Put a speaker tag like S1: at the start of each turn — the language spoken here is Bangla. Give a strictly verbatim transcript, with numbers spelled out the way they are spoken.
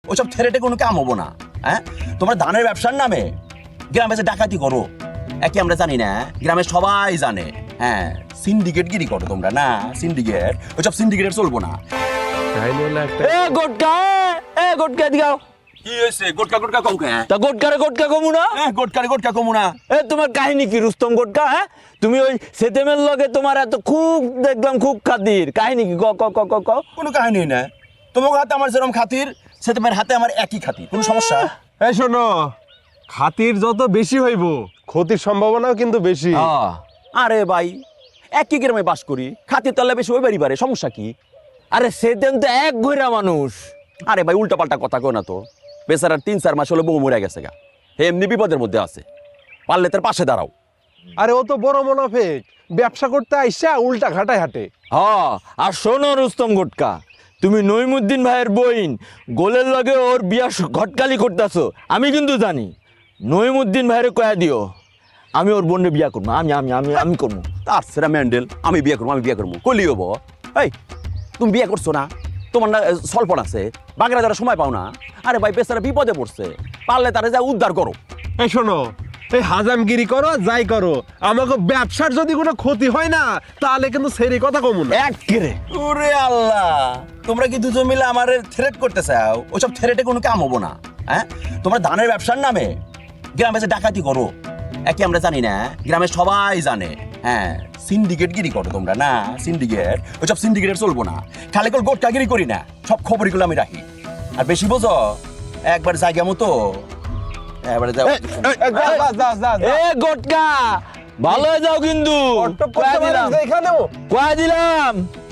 S1: ওইসব থেরেটে কোনো কাম হবো না। হ্যাঁ, তোমরা ধানের ব্যবসার নামে গ্রামে যে ডাকাতি করো, একে আমরা জানি না, গ্রামে সবাই জানে। হ্যাঁ, সিন্ডিকেট গিরি করো তোমরা না, সিন্ডিকেট, ওইসব সিন্ডিকেটের চলবো না।
S2: এ গোটকা, এ গোটকা দিগাও।
S1: কি হয়েছে? গোটকা গোটকা কম কে?
S2: তা গোটকারে গোটকা কমু না?
S1: হ্যাঁ, গোটকারে গোটকা কমু না।
S2: এ তোমার কাহিনী কি রুস্তম গোটকা? হ্যাঁ, তুমি ওই সেতেমের লগে তোমার এত খুব দেখলাম খুব খাতির, কাহিনী কি? ক ক ক ক ক
S1: কোনো কাহিনী না, তোমার হাতে আমার যেরকম খাতির, সেতেমের হাতে আমার একই খাতির, কোনো সমস্যা?
S3: এই শোনো, খাতির যত বেশি হইব ক্ষতির সম্ভাবনাও কিন্তু বেশি।
S2: আহ,
S1: আরে ভাই, একই গ্রামে বাস করি, খাতির তাহলে বেশি ওই বাড়ি বাড়ে, সমস্যা কি?
S2: আরে সেতেম তো এক ঘইরা মানুষ।
S1: আরে ভাই, উল্টা পাল্টা কথা কো না তো। বেচারার তিন চার মাস হলো বউ মরে গেছে গা, হে এমনি বিপদের মধ্যে আছে, পারলে তার পাশে দাঁড়াও।
S3: আরে ও তো বড় মুনাফিক, ব্যবসা করতে আইসা উল্টা ঘাটায় হাঁটে।
S2: হ্যাঁ, আর শোনো রুস্তম গোটকা, তুমি নইমুদ্দিন ভাইয়ের বইন গোলের লগে ওর বিয়া স- ঘটকালি করতেছো, আমি কিন্তু জানি। নইমুদ্দিন ভাইয়ের কয়া দিও আমি ওর বোনকে বিয়া করবো, আমি আমি আমি আমি করবো।
S1: তার সেরা ম্যান্ডেল, আমি বিয়ে করবো, আমি বিয়ে করবো, কলি হবো। এই, তুমি বিয়ে করছো না? তোমার না স্বল্পন আছে, বাগেরা যারা সময় পাও না? আরে ভাই, বেচারা বিপদে পড়ছে, পারলে তারা যা উদ্ধার করো।
S3: এই শোনো, এই হাজামগিরি করো যাই করো, আমাকে ব্যবসার যদি কোনো ক্ষতি হয় না, তাহলে কিন্তু সেরি কথা কমু না।
S2: এক কেরে
S1: ওরে আল্লাহ, তোমরা কি দুজন মিলে আমার থ্রেট করতে চাও? ওইসব থ্রেটে কোনো কাম হবো না। হ্যাঁ, তোমরা ধানের ব্যবসার নামে গ্রামে যে ডাকাতি করো, একে আমরা জানি না, গ্রামে সবাই জানে। হ্যাঁ, সিন্ডিকেট গিরি করো তোমরা না, সিন্ডিকেট, ওইসব সিন্ডিকেটের চলবো না। খালি করে গোটকাগিরি করি না, সব খবরগুলো আমি রাখি। আর বেশি বোঝো, একবার জায়গা মতো এবারে যাও।
S2: এ গোটকা, ভালো হয়ে যাও কিন্তু।
S3: অট্টপ করতে
S2: কয়া
S3: পারেন
S2: দিলাম
S3: যে এখানেও।
S2: কয়া দিলাম